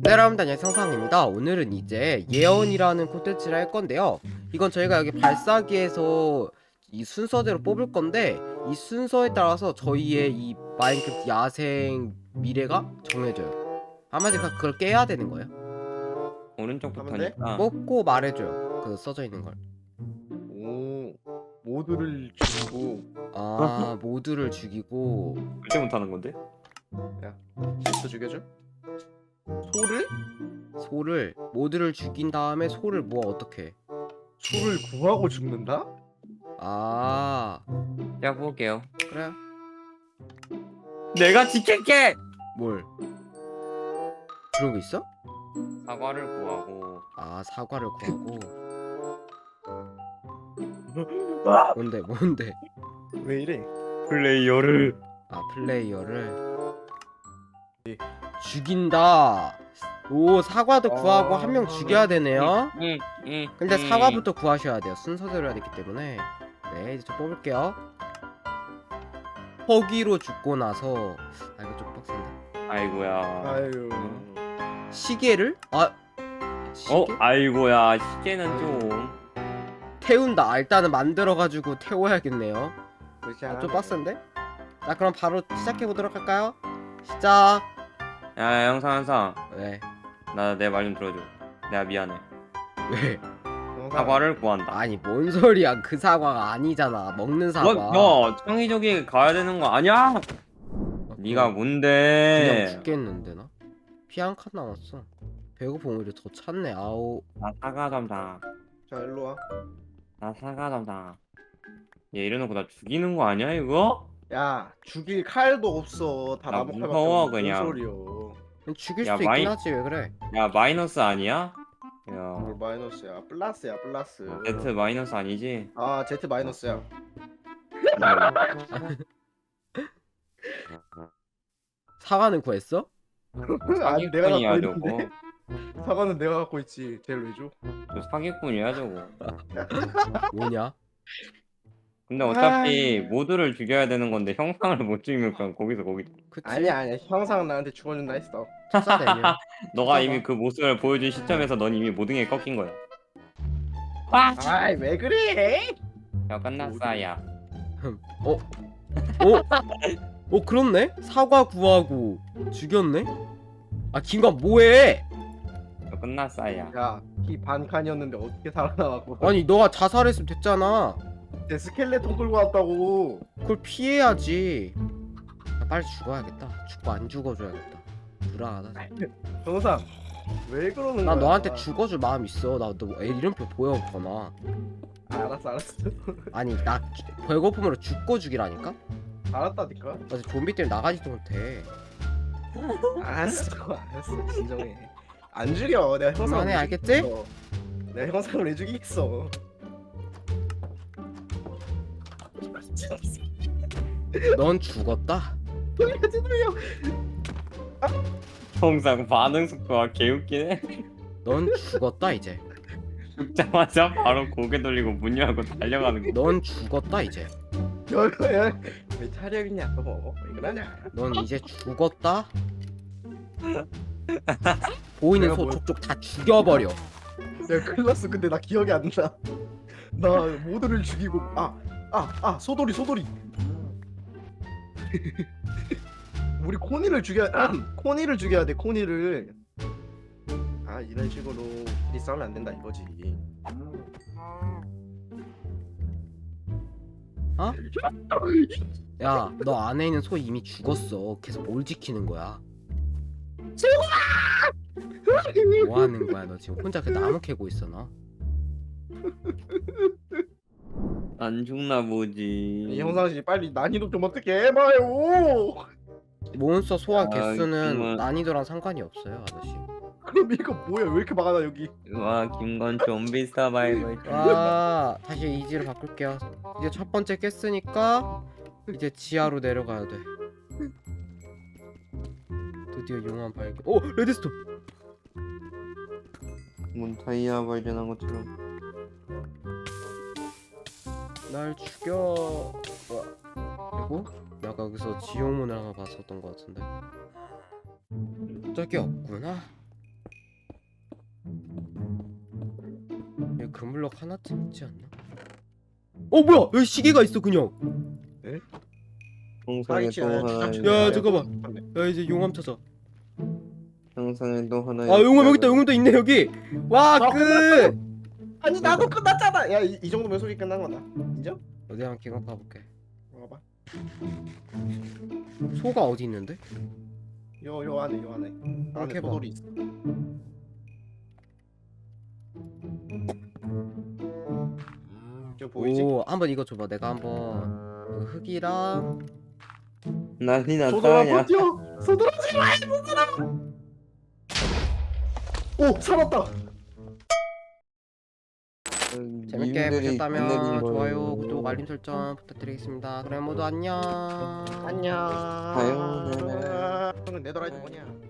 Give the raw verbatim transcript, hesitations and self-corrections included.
네, 여러분들 안녕하세요, 성상입니다. 오늘은 이제 예언이라는 콘텐츠를 할 건데요. 이건 저희가 여기 발사기에서 이 순서대로 뽑을 건데, 이 순서에 따라서 저희의 이 마인크래프트 야생 미래가 정해져요. 한마디로 그걸 깨야 되는 거예요. 오른쪽부터니까. 뽑고 말해줘요, 그 써져 있는 걸. 오, 모두를 죽이고 아, 모두를 죽이고. 그때 못하는 건데? 실수 죽여줘? 소를? 소를 모두를 죽인 다음에 소를 뭐 어떻게 해? 소를 구하고 죽는다? 아, 제가 볼게요. 그래요? 내가 지킬게! 뭘? 그런 거 있어? 사과를 구하고. 아, 사과를 구하고. 아! 뭔데 뭔데? 왜 이래? 플레이어를. 아, 플레이어를 죽인다. 오, 사과도 구하고 아. 한 명 죽여야 되네요. 응, 응. 근데 응. 사과부터 구하셔야 돼요. 순서대로 해야 되기 때문에. 네, 이제 좀 뽑을게요. 허기로 죽고 나서, 아, 이거 좀 빡센데. 아이고야. 아유. 시계를? 아, 시계? 어? 아이고야. 시계는 좀. 태운다. 아, 일단은 만들어가지고 태워야겠네요. 그렇지 아, 않아? 좀 빡센데? 자, 그럼 바로 시작해보도록 할까요? 시작. 야, 영상 항상. 왜? 나 내 말 좀 들어줘. 내가 미안해. 왜? 사과를 구한다. 아니, 뭔 소리야. 그 사과가 아니잖아. 먹는 사과. 뭐, 너 창의적이 가야 되는 거 아니야? 네가 그냥 뭔데? 죽겠는데 나? 피 한 칸 남았어. 배고픔 오히려 더 찼네. 아우. 나 사과 담당. 자 일로 와. 나 사과 담당. 얘 이래놓고 나 죽이는 거 아니야 이거? 야 죽일 칼도 없어. 다 나 나무 칼밖에 무서워, 없는 그냥. 소리요. 그냥 죽일 야, 수도 마이- 있긴 하지. 왜 그래? 야 마이너스 아니야? 야 뭘 마이너스야? 플러스야 플러스. Z 마이너스 아니지? 아 Z 마이너스야. 사과는 구했어? 아니 내가 사기꾼이야 갖고 저거. 있는데. 사과는 내가 갖고 있지. 쟤를 왜 줘? 저 사기꾼이야 저거. 뭐냐? 근데 어차피 모두를 죽여야 되는 건데 형상을 못 죽이면 그냥 거기서 거기. 그치? 아니야 아니야. 형상 나한테 죽어준다 했어. 투사 내면. 너가 진짜가? 이미 그 모습을 보여준 시점에서 넌 이미 모든 게 꺾인 거야. 아이 왜 그래? 야 끝났어야. 어? 어? 어, 그렇네? 사과 구하고 죽였네? 아, 김관 뭐해? 야 끝났어야. 야이 반칸이었는데 어떻게 살아나왔고? 아니, 너가 자살했으면 됐잖아. 내 스켈레톤 끌고 왔다고. 그걸 피해야지. 아, 빨리 죽어야겠다. 죽고 안 죽어줘야겠다. 불안하다. 정상 왜 그러는 나 거야? 너한테 죽어줄 마음 있어. 나너 이름표 보여거나. 아, 알았어 알았어. 아니, 나 배고픔으로 죽고 죽이라니까? 알았다니까. 나 지금 좀비 때문에 나가지도 못해. 알았어 알았어 진정해. 안 죽여. 내가 형상. 그만해, 왜 알겠지? 죽이겠어. 내가 형상을 왜 죽이겠어? 넌 죽었다. 돌려지 돌려. 형상 반응 속도가 개웃기네. 넌 죽었다 이제. 죽자마자 바로 고개 돌리고 문 열고 달려가는 거. 넌 죽었다 이제. 여야 왜 차려있냐 너? 왜 그러냐? 넌 이제 죽었다. 보이는 내가 소 뭘- 족족 다 죽여버려. 내가 큰일 났어. 근데 나 기억이 안 나. 나 모두를 죽이고 아 아 아 소돌이 소돌이. 우리 코니를 죽여 코니를 죽여야 돼. 코니를. 아 이런 식으로 우리 싸우면 안 된다 이거지. 어? 야, 너 안에 있는 소 이미 죽었어. 계속 뭘 지키는 거야? 뭐 하는 거야? 너 지금 혼자 그 나무 캐고 있어 너? 안 죽나 보지. 이 형상 씨 빨리 난이도 좀 어떻게 해봐요. 몬스터 소화 아, 개수는 정말. 난이도랑 상관이 없어요, 아저씨. 그럼 이거 뭐야? 왜 이렇게 많아 여기? 와 김건 좀비 서바이벌. 아, 다시 이지로 바꿀게요. 이제 첫 번째 깼으니까 이제 지하로 내려가야 돼. 드디어 용암 발견. 오, 레드스톤. 뭔 다이아 발견한 것처럼. 날 죽여. 그리고 내가 여기서 지옥문을 하나 봤었던 것 같은데. 저기 없구나. 여기 금블럭 하나쯤 있지 않나? 어 뭐야 여기 시계가 있어 그냥. 형상에 또 파이치는 하나. 주장 야, 중이야. 잠깐만. 야 이제 용암 찾아. 형상에 또 하나. 아 용암 여기 있다. 용암도 있네 여기. 와 아, 그. 아니 나도 끝났잖아. 야 이 정도면 소리 끝난 거다. 인정? 어디 한번 기가 가볼게. 봐봐. 소가 어디 있는데? 요요 안에 요 안에. 안에 이렇게 봐. 도돌이 있어. 저 보이지? 오 한번 이거 줘봐. 내가 한번 그 흙이랑 난리 소돌아 났다. 야. 버텨. 소돌아 제발 소돌아. 오 살았다. 재밌게 님들이 보셨다면 보내준 좋아요, 거예요. 구독, 알림 설정 부탁드리겠습니다. 그럼 모두 안녕. 안녕. 사요나라. 내 도라이도 뭐냐?